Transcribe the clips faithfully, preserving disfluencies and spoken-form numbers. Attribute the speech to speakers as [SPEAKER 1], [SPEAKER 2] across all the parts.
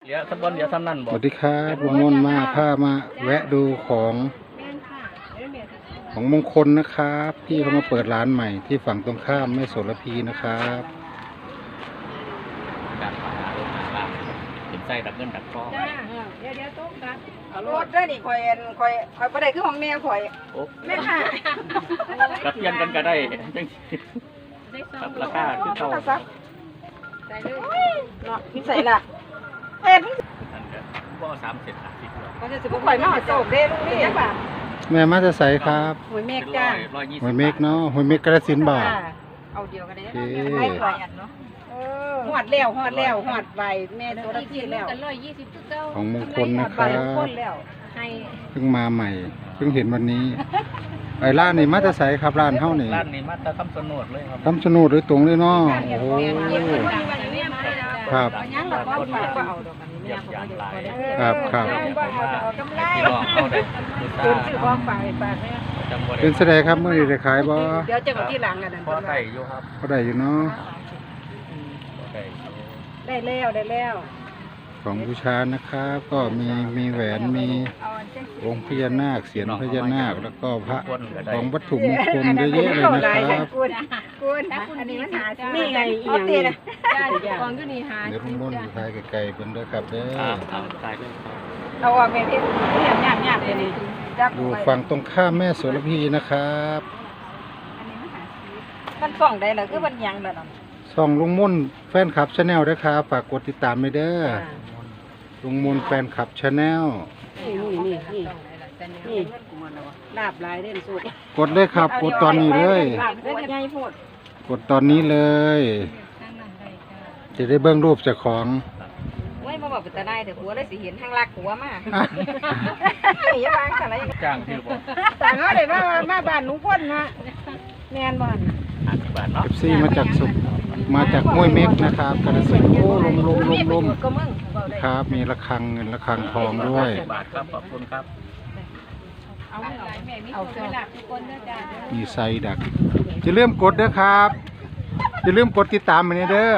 [SPEAKER 1] เดี๋ยวสักวันเดี๋ยวซ้ำนั่นบ
[SPEAKER 2] ส
[SPEAKER 1] อก
[SPEAKER 2] วัสดีครับลุงมนต์มาพามาแวะดูของของมงคลนะครับพี่เขามาเปิดร้านใหม่ที่ฝั่งตรงข้ามแม่โสระพีนะครับ
[SPEAKER 1] การพาลงมาเป็นไส้ดักเงินดักทอง
[SPEAKER 3] จ้าเดี๋ยวเดี๋ยวต้องครับ
[SPEAKER 4] เอารถเด้อนี่ข่อยอันข่อยข่อยบ่ได้คือของแม่ข่อย
[SPEAKER 1] โอ้
[SPEAKER 4] แม่ค่ะ
[SPEAKER 1] กับเพียนกันก็ได้จัง
[SPEAKER 3] ได้สอ
[SPEAKER 1] ครั
[SPEAKER 3] ง
[SPEAKER 1] บราคาคือเก่า
[SPEAKER 3] ใส่เลย
[SPEAKER 4] เนาะนี่ใส่ละเอ็ด
[SPEAKER 1] อันก็บ่สามเสร็จห้าสิบเลย
[SPEAKER 4] ก็จะสิบ่ข่อยมาหาโศกเด้ลูกนี่จังบ่า
[SPEAKER 2] แม่มาจะใส่ครับ
[SPEAKER 4] หวยเมฆ
[SPEAKER 1] เป็น
[SPEAKER 4] จ้า
[SPEAKER 1] ร้อยร้อยยี่สิบ
[SPEAKER 2] หวยเมกเนาะหวยเมกกระสินธุ์บ่า
[SPEAKER 4] เอาเดียวกันได้
[SPEAKER 2] โอเค
[SPEAKER 4] ไม่ข่อยอันเนาะเออฮอดแล้วฮอดแล้วฮอดใบแม่ตัวละ
[SPEAKER 3] อีก
[SPEAKER 4] พี่
[SPEAKER 3] ที
[SPEAKER 4] แล้ว
[SPEAKER 3] กันร้อยยี่สิบทุกเก้า
[SPEAKER 2] ของมงคลนะค
[SPEAKER 4] ใบ
[SPEAKER 2] รับ
[SPEAKER 4] คนแล้ว
[SPEAKER 3] ให้
[SPEAKER 2] เพิ่งมาใหม่เพิ่งเห็นวันนี้ไอ้ร้านนี่มาจะใส่ครับร้านเฮานี่
[SPEAKER 1] ร้านนี้มาตะคำสนดเลยครับ
[SPEAKER 2] คำชะโนดโดยตรงเลยเนาะโอ้โห ครับ
[SPEAKER 4] ยังละก้อนฝากก็เอาดอกอันนี้
[SPEAKER 1] เยี่ยมยามหลาย
[SPEAKER 2] ครับครับ
[SPEAKER 4] บ่เอาเอากำไร
[SPEAKER 1] พี่น้องเข้าได้บูชา
[SPEAKER 4] ตื่นซื้อของฝากฝากแม่
[SPEAKER 1] จังบ่ได้
[SPEAKER 2] เป็นแสดงครับเมื่อนี้ได้ขายบ่
[SPEAKER 4] เดี๋ยวจะเอาที่หลังอันนั้น
[SPEAKER 1] พอได้อยู่ครับ
[SPEAKER 2] ก็ได้อยู่เนาะ
[SPEAKER 1] พอได้อยู่
[SPEAKER 4] ได้แล้วได้แล้ว
[SPEAKER 2] ของบูชานะครับ ก็มีมีแหวนมีองค์พญานาคเสียนพญานาคแล้วก็พระของวัตถุมงคลเยอะแยะเลยนะครับ
[SPEAKER 4] คุณคุณอันนี้มันหานี่ไงอีหยังนี่นะ
[SPEAKER 3] จ้าฟองก็นี่หา
[SPEAKER 2] เดี๋ยวลุงมนต์ถ่ายไกลๆเพิ่นเด้อครับเด้
[SPEAKER 1] อ่า
[SPEAKER 2] อ
[SPEAKER 1] เอาตายด้วยครับ
[SPEAKER 4] เอาออกไปที่นี่ยากยากเลยนี่จัก
[SPEAKER 2] อยู่ฝั่งตรงข้ามแม่โสระพีนะครับ
[SPEAKER 4] มันส่องได้เหรอคือมันยังล่ะเนาะ
[SPEAKER 2] ส่องลุงมนต์แฟนคลับชาแนลด้วยครับฝากกดติดตามไปเด้อลุงมนต์แฟนคลับชาแนล
[SPEAKER 4] นี่นี่นี่นี่ลาบลายเด่นสุด
[SPEAKER 2] กดเลยครับกดตอนนี้เลย
[SPEAKER 4] ลาบเด่นใหญ่โพด
[SPEAKER 2] กดตอนนี้เลย จะได้เบิ่งรูปเจ้าของ
[SPEAKER 4] โอ้ยบ่บอกเป็นตาได้แต่หัวเลยสิเห็นทางลักหัวมาอย่าวางอะไร
[SPEAKER 1] จ้างที่บอก
[SPEAKER 4] ต่างเฮาได้มามาบ้านลุงพ่นฮะแม่นบ่
[SPEAKER 1] ห้าสิบบาทเนาะ
[SPEAKER 2] เอฟซีมาจากสุมาจากห้วยเม็กนะครับกระสินธุ์โอ้ลมลมลมลม
[SPEAKER 4] ก็มึงเว้าได้
[SPEAKER 2] ครับ มีระฆังเงินระฆังทองด้วย
[SPEAKER 1] สิบบาทครับขอบคุณครับ
[SPEAKER 3] เอาหลายแม่มีเอาเวลาทุกคนนะจ้า
[SPEAKER 2] มีไซดักจะเริ่าลืมกดเด้อครับจะเริ่าลืมกดติดตามไปเด้อ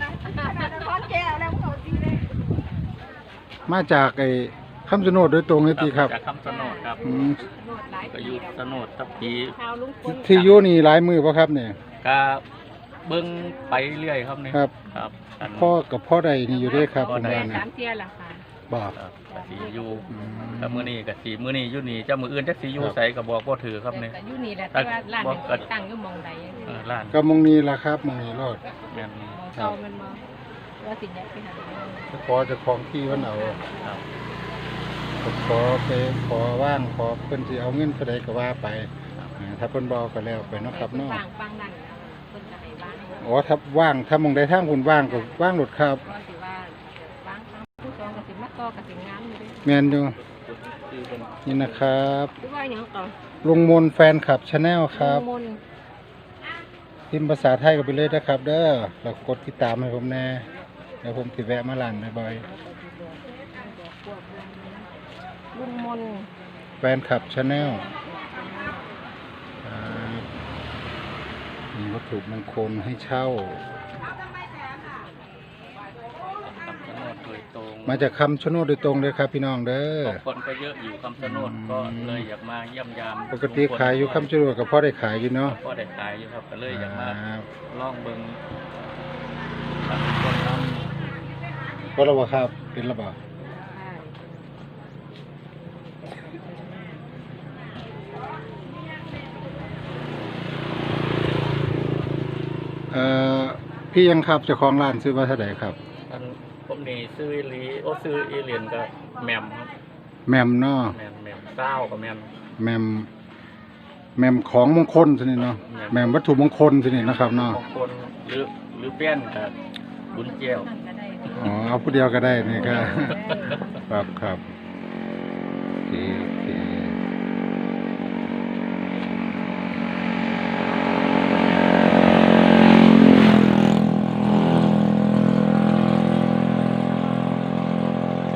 [SPEAKER 2] มาจากไอ้คำชะโนดโดยตรงเลยตีครับ
[SPEAKER 1] จากคำสนดครับ
[SPEAKER 2] อืม
[SPEAKER 1] ก็อยู่สนดทับปี
[SPEAKER 3] ชาวลุงพล
[SPEAKER 2] ที่อยู่นี่หลายมือป่ะครับเนี่ย
[SPEAKER 1] ก็เบิ้งไปเรื่อยครับนี่
[SPEAKER 2] ครับ
[SPEAKER 1] ครับอัน
[SPEAKER 2] พ่อกับพ่อใดนี่อยู่ด้วยครับ
[SPEAKER 1] พ่อ
[SPEAKER 2] ผม
[SPEAKER 1] ใด
[SPEAKER 2] ว่า
[SPEAKER 3] สา
[SPEAKER 2] นะ
[SPEAKER 3] มเทียละค่ะ
[SPEAKER 2] บอก
[SPEAKER 1] ครับกสีอยู่
[SPEAKER 2] อืม
[SPEAKER 1] แต่มื้อนี้กสีมื้อนี้อยู่นี่เจ้ามืออื่นจักสีอยู่
[SPEAKER 2] ครับ
[SPEAKER 1] ใส่ก็บอกบ่ถือครับนี่
[SPEAKER 3] แต่อยู่นี่แหละแต่ว่าร้านตั้งอยู่มองใด
[SPEAKER 1] เออร้าน
[SPEAKER 2] ก็มองนี้ละครับมองนี้รอด
[SPEAKER 1] แม่น
[SPEAKER 3] มองเก่ามันมองว่าสิ่งนี้ไปหา
[SPEAKER 2] จะขอเจะของที่วันเอา
[SPEAKER 1] ครับ
[SPEAKER 2] ก็ขอไปขอว่างขอเพิ่นสิเอาเงินเท่าใดก็ว่าไปอ่าถ้าเพิ่นบ่ก็แล้วไปเนาะครับเนาะ
[SPEAKER 3] ฟังฟังนั่นคนจะให้บ้าน
[SPEAKER 2] อ๋อถ้าว่างถ้ามองใดทางคุณว่างก็ว่างหลุดครับ
[SPEAKER 3] ก็สิว่าฟังฟังผู้ชมก็สิมาต่อก็สิงามอยู่ด้วย
[SPEAKER 2] แม่นอยู่
[SPEAKER 1] คือเป็น
[SPEAKER 2] นี่นะครับ
[SPEAKER 3] หรือว่าอย่างต่อ
[SPEAKER 2] ลุงมนต์แฟนคลับชาแนลครับ
[SPEAKER 3] มน
[SPEAKER 2] พิมพ์ภาษาไทยก็ไปเลยนะครับ เด้อแล้วกดติดตามให้ผมแน่เดี๋ยวผมสิแวะมาร้านบ่อย
[SPEAKER 3] ลุงมน
[SPEAKER 2] ๆแฟนคลับชาแนลมีวัตถุมงคลให้เช่า
[SPEAKER 1] คำสนดโดยตรง
[SPEAKER 2] มาจากคำชะโนดโดยตรงเลยครับพี่น้องเด้อ
[SPEAKER 1] คนก็เยอะอยู่คำสนดก็เลยอยากมาเยี่ยมยาม
[SPEAKER 2] ปกติขายอยู่คำชะโนดกับพ่อได้ขายอยู่เนาะ
[SPEAKER 1] ก็ได้ขายอยู่ครับก็เลยอยากมา
[SPEAKER 2] อ่า
[SPEAKER 1] ลองเบิ่งครับคนเนาะ
[SPEAKER 2] ก็ระบาครับเป็นระบาเอ่อพี่ยังครับเจ้าของร้านซื้อมาเท่าไหร่ครับ
[SPEAKER 1] อันผมนี่ซื้ออีหลีโอ้ซื้ออีเหรียญก็แมมครับ
[SPEAKER 2] แมมเนาะ
[SPEAKER 1] แมมแมมเก้ากับแมม
[SPEAKER 2] แมมแมมของมงคลสินี่เนาะแมมวัตถุมงคลสินี่นะครับเนาะ
[SPEAKER 1] บางคนหรือหรือเปี้ยนกับบุญเจียว
[SPEAKER 3] นั่นก็ได้
[SPEAKER 2] อ๋อเอาผู้เดียวก็ได้นี่ก็ ครับครับโอเค